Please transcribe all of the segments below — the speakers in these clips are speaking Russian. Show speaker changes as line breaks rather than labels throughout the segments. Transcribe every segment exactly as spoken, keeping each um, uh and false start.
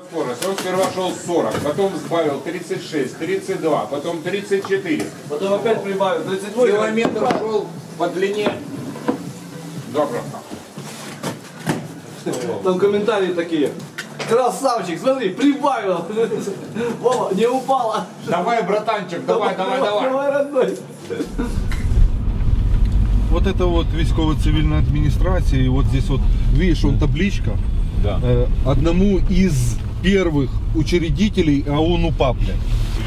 Скорость. Он сперва шел сорок, потом сбавил тридцать шесть, тридцать два, потом тридцать четыре.
Потом опять прибавил тридцать восемь.
Километр шел по длине. Добро.
Там комментарии такие. Красавчик, смотри, прибавил. Вова, не упала.
Давай, братанчик, давай, давай, давай.
Давай, родной.
Вот это вот військово-цивильная администрация, и вот здесь вот, видишь, он табличка.
Да.
Э, одному из первых учредителей АОН УПА, блядь.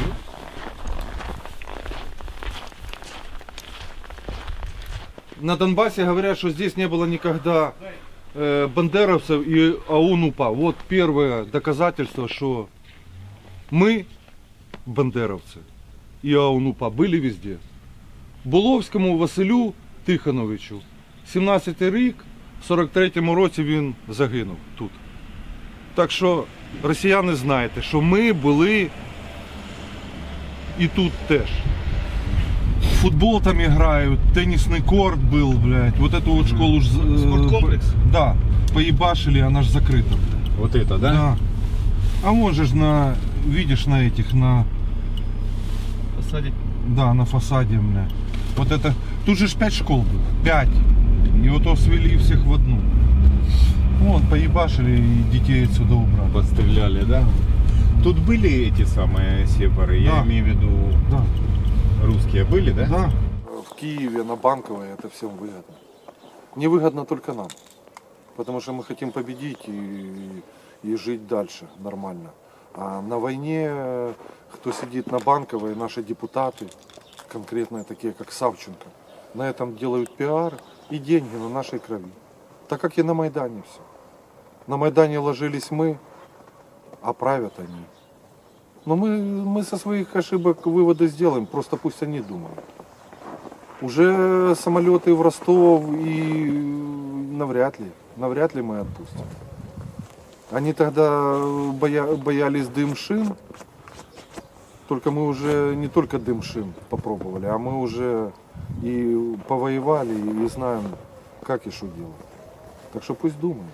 На Донбассе говорят, что здесь не было никогда э, бандеровцев и АОН УПА. Вот первое доказательство, что мы, бандеровцы и АОН УПА, были везде. Буловському Василю Тихоновичу, сімнадцятий рік, в сорок третьому році він загинув тут. Так що, росіяни, знаєте, що ми були і тут теж. Футбол там играют, теннисный корт был, блядь. Вот эту вот школу...
Спорткомплекс?
Да, поебашили, она ж закрыта, блядь.
Вот это, да?
Да. А вон же ж на, видишь, на этих, на...
Посадить.
Да, на фасаде, бля. Вот это, тут же ж пять школ было, пять. И вот то свели всех в одну. Вот, поебашили и детей отсюда убрали.
Подстреляли, да? Тут были эти самые сепары,
Да.
я имею в виду
Да,
русские были, да?
да. В Киеве, на Банковой это всем выгодно. Не выгодно только нам. Потому что мы хотим победить и, и жить дальше нормально. А на войне, кто сидит на Банковой, наши депутаты, конкретно такие как Савченко, на этом делают пиар и деньги на нашей крови. Так как и на Майдане все. На Майдане ложились мы, а правят они. Но мы, мы со своих ошибок выводы сделаем, просто пусть они думают. Уже самолеты в Ростов и навряд ли, навряд ли мы отпустим. Они тогда боя, боялись дым шин, только мы уже не только дым шин попробовали, а мы уже и повоевали, и знаем, как и что делать. Так что пусть думают.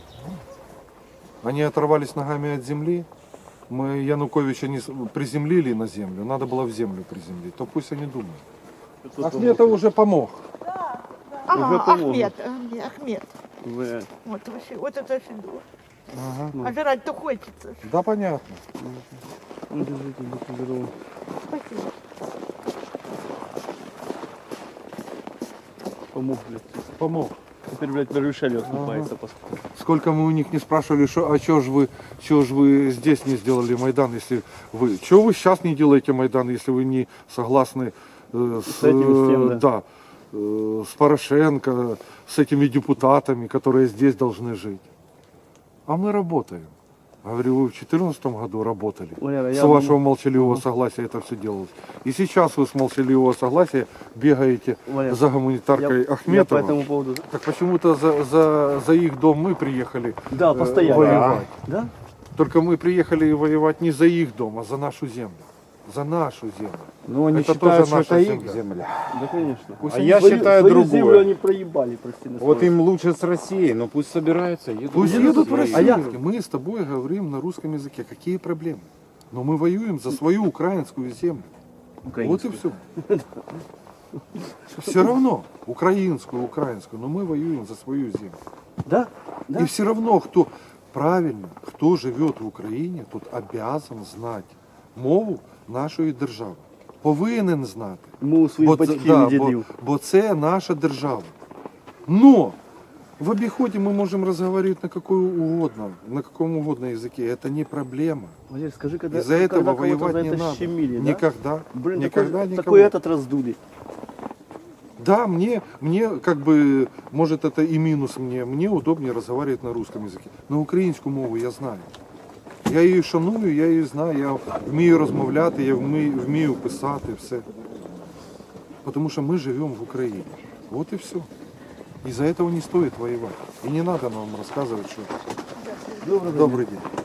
Они оторвались ногами от земли, мы Януковича не приземлили на землю, надо было в землю приземлить, то пусть они думают. Ахметов уже помог.
Ага, Ахмед, Ахмед, Ахмед. Вот, вообще, вот это фигура.
Ага.
А жрать-то хочется.
Да, понятно.
Спасибо.
Помог, блядь.
Помог.
Теперь, блядь, Верюшель отступается. Ага.
Сколько мы у них не спрашивали, что, а что же вы, чё ж вы здесь не сделали Майдан, если вы, что вы сейчас не делаете Майдан, если вы не согласны э, с,
С этим, с тем, да.
да, э, с Порошенко, с этими депутатами, которые здесь должны жить. А мы работаем. Говорю, вы в две тысячи четырнадцатом году работали.
Валера,
с
я
вашего
думаю...
молчаливого согласия это все делалось. И сейчас вы с молчаливого согласия бегаете
Валер,
за гуманитаркой
я,
Ахметова.
я по этому поводу...
Так почему-то за, за, за их дом мы приехали
Да,
э,
постоянно.
воевать.
Да?
Только мы приехали воевать не за их дом, а за нашу землю. За нашу землю.
Ну, они
Это
считают,
тоже
что
наша
это
земля.
их земля.
Да, конечно.
Пусть
А
они-
я
Свою-
считаю
свою
другое.
землю они проебали, прости на
Вот
слове.
им лучше с Россией, но пусть собираются, едут.
Пусть
едут
едут в
воевать.
Россию.
А я-
Мы с тобой говорим на русском языке. Какие проблемы? Но мы воюем за свою украинскую землю. Вот и все. Все равно. Украинскую, украинскую. Но мы воюем за свою землю.
Да? Да?
И все равно, кто правильно, кто живет в Україні, тот обязан знати мову нашої держави. Повинен знати.
Мову своїх
Бо це-
батьків
да,
і
бо,
дідів.
бо це наша держава. Но в обиходе мы можем разговаривать на какой угодно, на каком угодно языке. Это не проблема.
Валерий, скажи, когда,
Из-за этого
когда кого-то
воевать
за
не
это
надо.
щемили, да?
Никогда.
Блин,
никогда
такой,
никого.
такой этот раздули.
Да, мне, мне как бы, может это и минус мне, мне удобнее разговаривать на русском языке. На українську мову я знаю. Я її шаную, я її знаю, я вмію розмовляти, я вмію, вмію писати, все. Потому что мы живем в Украине. Вот и все. Из-за этого не стоит воевать. И не надо нам рассказывать, что... Добрый день.